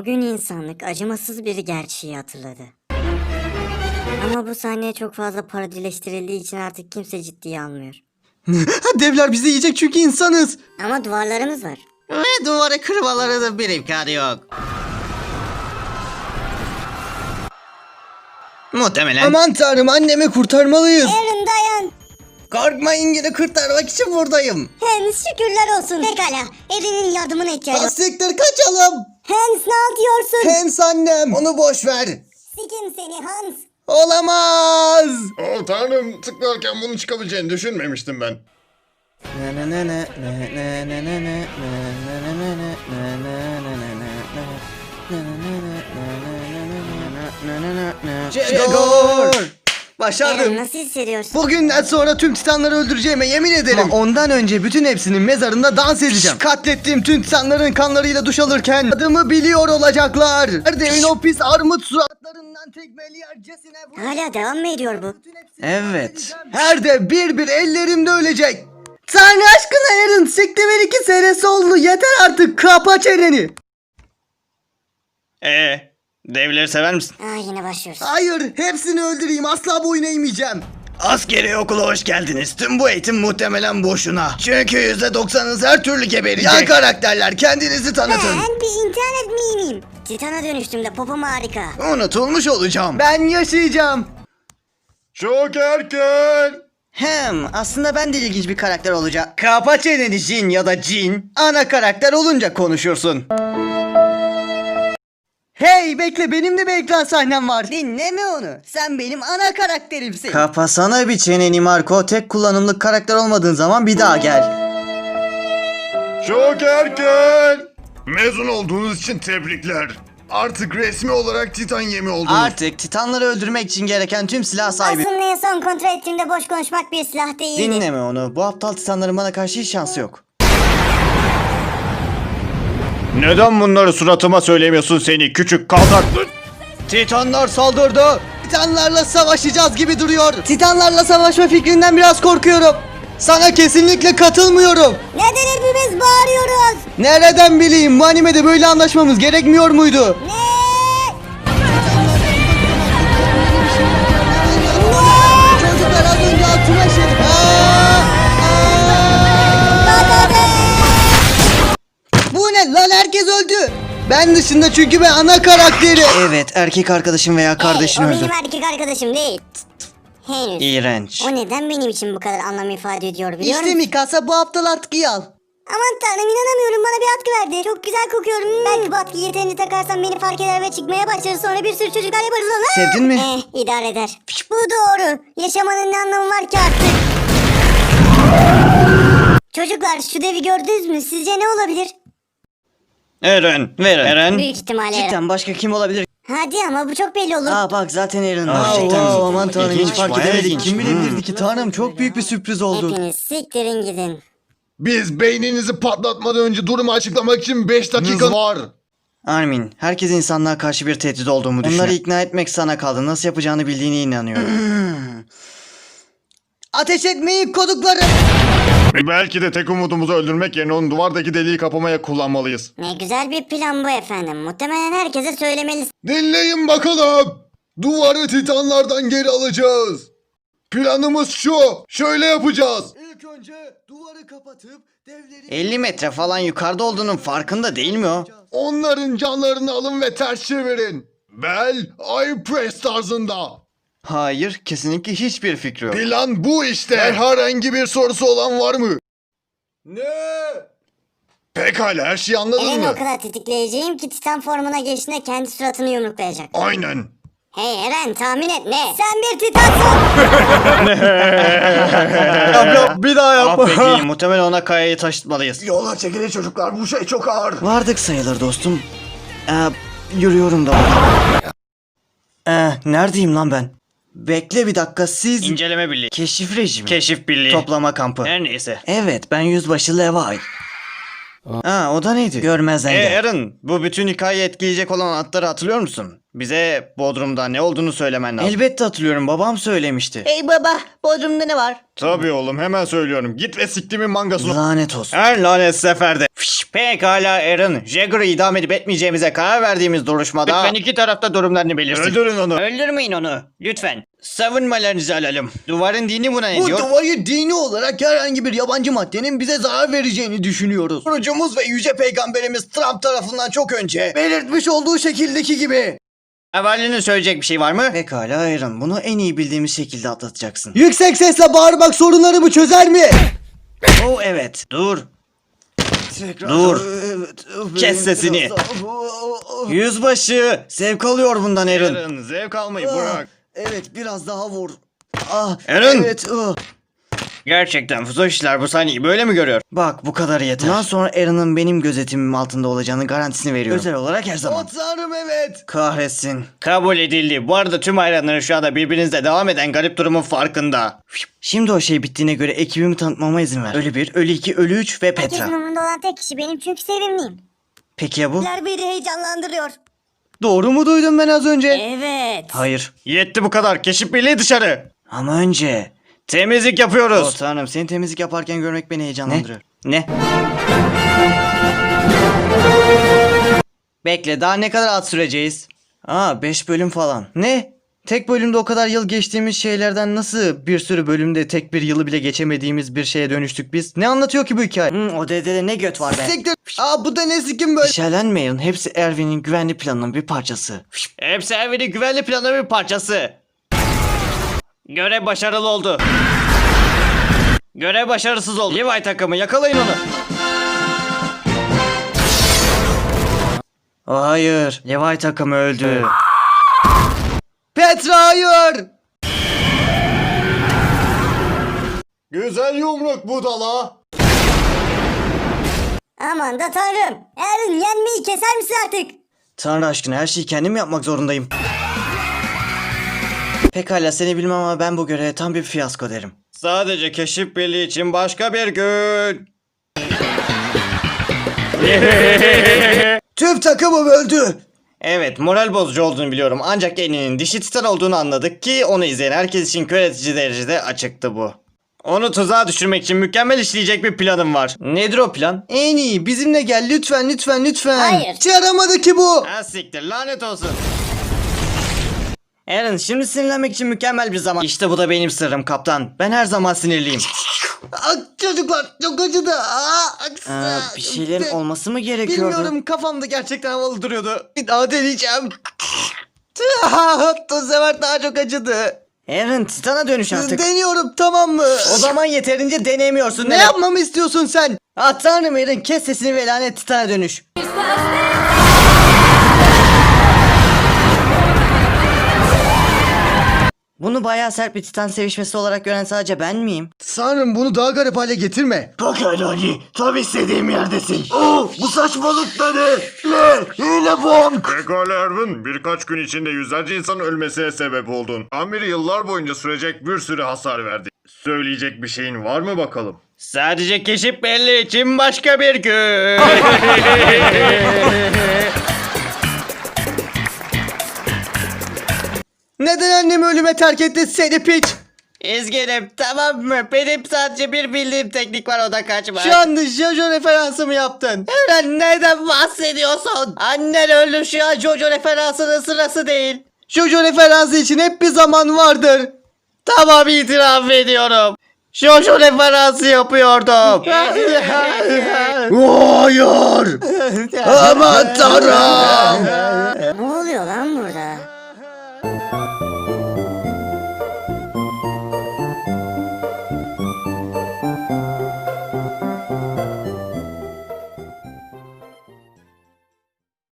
O gün insanlık acımasız bir gerçeği hatırladı. Ama bu sahne çok fazla parodileştirildiği için artık kimse ciddiye almıyor. Devler bizi yiyecek çünkü insanız. Ama duvarlarımız var. Ve duvarı kırmaları da bir imkanı yok. Muhtemelen. Aman tanrım, annemi kurtarmalıyız. Aaron dayan. Korkmayın, yine kurtarmak için buradayım. Hans şükürler olsun. Pekala. Aaron'in yardımına ihtiyacı var. Siktir, kaçalım. Hans ne yapıyorsun? Hans annem. Onu boş ver. Sikim seni Hans. Olamaz. Oh tanrım, tıklarken bunun çıkabileceğini düşünmemiştim ben. Jegor. Aaron Başardım. nasıl hissediyorsun? Bugünden sonra tüm titanları öldüreceğime yemin ederim. Ama ondan önce bütün hepsinin mezarında dans edeceğim. Katlettiğim tüm titanların kanlarıyla duş alırken adımı biliyor olacaklar. Her devin o pis armut suratlarından tekmeleyercesine vur. Hala devam mı ediyor bu? Evet. Her de bir ellerimde ölecek. Tanrı aşkına Aaron, siktimin 2 senesi oldu. Yeter artık, kapa çeneni. Devleri sever misin? Yine başlıyoruz. Hayır, hepsini öldüreyim, asla boyun eğmeyeceğim. Askeri okula hoş geldiniz. Tüm bu eğitim muhtemelen boşuna. Çünkü %90'ınız her türlü geberecek. Yan karakterler, kendinizi tanıtın. Ben bir internet miyim? Titana dönüştüm de popom harika. Unutulmuş olacağım. Ben yaşayacağım. Çok erken. Aslında ben de ilginç bir karakter olacağım. Kapa çeneni Jin ya da Jin. Ana karakter olunca konuşursun. Hey bekle, benim de bir ekran sahnem var. Dinleme onu. Sen benim ana karakterimsin. Kapasana bir çeneni Marco. Tek kullanımlık karakter olmadığın zaman bir daha gel. Çok erken. Mezun olduğunuz için tebrikler. Artık resmi olarak Titan yemi oldunuz. Artık titanları öldürmek için gereken tüm silah sahibi. Aslında en son kontrol ettiğimde boş konuşmak bir silah değildi. Dinleme onu. Bu aptal titanların bana karşı hiç şansı yok. Neden bunları suratıma söylemiyorsun seni küçük kaltak? Titanlar saldırdı. Titanlarla savaşacağız gibi duruyor. Titanlarla savaşma fikrinden biraz korkuyorum. Sana kesinlikle katılmıyorum. Neden hepimiz bağırıyoruz? Nereden bileyim, bu animede böyle anlaşmamız gerekmiyor muydu? Ne? Çocuklar az önce altıma işedik. Bu ne lan, herkes öldü. Ben dışında, çünkü ben ana karakteri. Evet, erkek arkadaşım veya kardeşin O öldü. benim erkek arkadaşım değil. Henüz. İğrenç. O neden benim için bu kadar anlam ifade ediyor biliyor İşte musun? Mikasa, bu aptal atkıyı al. Aman tanrım, inanamıyorum, bana bir atkı verdi. Çok güzel kokuyorum. Belki bu atkıyı yeterince takarsam beni fark eder ve çıkmaya başlar. Sonra bir sürü çocuklar yaparız ona. Sevdin mi? İdare eder. Bu doğru. Yaşamanın ne anlamı var ki artık? Çocuklar, şu devi gördünüz mü? Sizce ne olabilir? Eren. Büyük ihtimalle Eren. Cidden başka kim olabilir? Hadi ama bu çok belli olur. Aa bak, zaten Aaron var. Gerçekten mi? Aman tanrım, hiç İlginç, fark bayağı edemedik. ilginç. Kim bilebilirdi ki tanrım, çok büyük bir sürpriz oldu. Hepiniz siktirin gidin. Biz beyninizi patlatmadan önce durumu açıklamak için 5 dakikanız var. Armin, herkes insanlığa karşı bir tehdit olduğumu düşünüyor. Onları ikna etmek sana kaldı. Nasıl yapacağını bildiğine inanıyorum. Ateş etmeyin kodukları. Belki de tek umudumuzu öldürmek yerine onun duvardaki deliği kapamaya kullanmalıyız. Ne güzel bir plan bu efendim. Muhtemelen herkese söylemelisiniz. Dinleyin bakalım. Duvarı titanlardan geri alacağız. Planımız şu. Şöyle yapacağız. İlk önce duvarı kapatıp devleri... 50 metre falan yukarıda olduğunun farkında değil mi o? Onların canlarını alın ve ters çevirin. Bel, I press tarzında. Hayır, kesinlikle hiçbir fikri yok. Plan bu işte. Herhangi bir sorusu olan var mı? Ne? Pekala, her şeyi anladın Eren'i mı? o kadar tetikleyeceğim ki Titan formuna geçtiğinde kendi suratını yumruklayacak. Aynen. Hey Eren, tahmin et ne? Sen bir Titansın. Bir daha Ah peki, muhtemelen ona kayayı taşıtmalıyız. Yola çekilin çocuklar, bu şey çok ağır. Vardık sayılır dostum. Yürüyorum da. Neredeyim lan ben? Bekle bir dakika, siz... İnceleme birliği. Keşif rejimi. Keşif birliği. Toplama kampı. Her neyse. Evet, ben yüzbaşı Levi. O da neydi? Görmezden gel. Eren, bu bütün hikayeyi etkileyecek olan atları hatırlıyor musun? Bize Bodrum'da ne olduğunu söylemen lazım. Elbette hatırlıyorum, babam söylemişti. Ey baba, Bodrum'da ne var? Tabii oğlum, hemen söylüyorum. Git ve siktimin mangasını... Lanet olsun. Her lanet seferde. Pekala Aaron. Jagger'ı idam edip etmeyeceğimize karar verdiğimiz duruşmada... Lütfen iki tarafta durumlarını belirsin. Öldürün onu. Öldürmeyin onu. Lütfen. Savunmalarınızı alalım. Duvarın dini buna ne Bu diyor? duvarı dini olarak herhangi bir yabancı maddenin bize zarar vereceğini düşünüyoruz. Kurucumuz ve yüce peygamberimiz Trump tarafından çok önce belirtmiş olduğu şekildeki gibi. Havalinin söyleyecek bir şey var mı? Pekala Aaron, bunu en iyi bildiğimiz şekilde atlatacaksın. Yüksek sesle bağırmak sorunlarımı çözer mi? Oh evet. Dur. Dur. Kes sesini. Yüzbaşı. Zevk alıyor bundan Aaron. Aaron, zevk almayı bırak. Evet, biraz daha vur. Ah, Aaron. evet. Gerçekten Fuzoşiler bu sahneyi böyle mi görüyor? Bak, bu kadar yeter. Bundan sonra Aaron'ın benim gözetimim altında olacağını garantisini veriyorum. Özel olarak her zaman. Tanrım, evet. Kahretsin. Kabul edildi. Bu arada tüm hayranların şu anda birbirinizle devam eden garip durumun farkında. Şimdi o şey bittiğine göre ekibimi tanıtmama izin ver. Ölü 1, Ölü 2, Ölü 3 ve Petra. Herkesin umurunda olan tek kişi benim çünkü sevimliyim. Peki ya bu? Beni heyecanlandırıyor. Doğru mu duydum ben az önce? Evet. Hayır. Yetti bu kadar. Keşif birliği dışarı. Ama önce... Temizlik yapıyoruz. Oh tanrım, seni temizlik yaparken görmek beni heyecanlandırıyor. Ne? Bekle, daha ne kadar ad süreceğiz? 5 bölüm falan. Ne? Tek bölümde o kadar yıl geçtiğimiz şeylerden nasıl bir sürü bölümde tek bir yılı bile geçemediğimiz bir şeye dönüştük biz? Ne anlatıyor ki bu hikaye? O dedede ne göt var be. Siktir. Bu da ne sikim böyle? Şerlenmeyin, hepsi Erwin'in güvenli planının bir parçası. Hepsi evinin güvenli planı bir parçası. Görev başarılı oldu. Görev başarısız oldu. Levi takımı yakalayın onu. Hayır, Levi takımı öldü. Petra hayır! Güzel yumruk budala. Aman da tanrım. Aaron yenmeyi keser misin artık? Tanrı aşkına, her şeyi kendim yapmak zorundayım. Pekala, seni bilmem ama ben bu göreve tam bir fiyasko derim. Sadece keşif birliği için başka bir gün. Tüm takımım öldü. Evet, moral bozucu olduğunu biliyorum. Ancak Eninin dişi titan olduğunu anladık ki onu izleyen herkes için kör edici derecede açıktı bu. Onu tuzağa düşürmek için mükemmel işleyecek bir planım var. Nedir o plan? En iyi, bizimle gel lütfen lütfen lütfen. Hayır. Çağıramadı ki bu. Ha siktir, lanet olsun. Aaron, şimdi sinirlenmek için mükemmel bir zaman. İşte bu da benim sırrım kaptan. Ben her zaman sinirliyim. Çocuklar çok acıdı. Bir şeylerin olması mı gerekiyordu? Bilmiyorum, kafamda gerçekten havalı duruyordu. Bir daha deneyeceğim. Bu sefer daha çok acıdı. Aaron, Titan'a dönüş artık. Deniyorum, tamam mı? O zaman yeterince deneyemiyorsun. Ne yapmamı istiyorsun sen? Tanrım Aaron, kes sesini ve lanet Titan'a dönüş. Bunu bayağı sert bir Titan sevişmesi olarak gören sadece ben miyim? Sanırım bunu daha garip hale getirme. Pekala Ali, tam istediğim yerdesin. Bu saçmalık da ne? Hile bomb. Pekala Erwin, birkaç gün içinde yüzlerce insanın ölmesine sebep oldun. Amiri yıllar boyunca sürecek bir sürü hasar verdi. Söyleyecek bir şeyin var mı bakalım? Sadece keşif birliği için başka bir gün. Neden annemi ölüme terk etti seni piç? İzgilim, tamam mı? Benim sadece bir bildiğim teknik var, o da kaçmak. Şu anda Jojo referansı mı yaptın? Aaron, neden bahsediyorsun? Annen öldü, şu an Jojo referansının sırası değil. Jojo referansı için hep bir zaman vardır. Tamam, itiraf ediyorum. Jojo referansı yapıyordum. Hayır. Aman tanrım. Ne oluyor lan burada?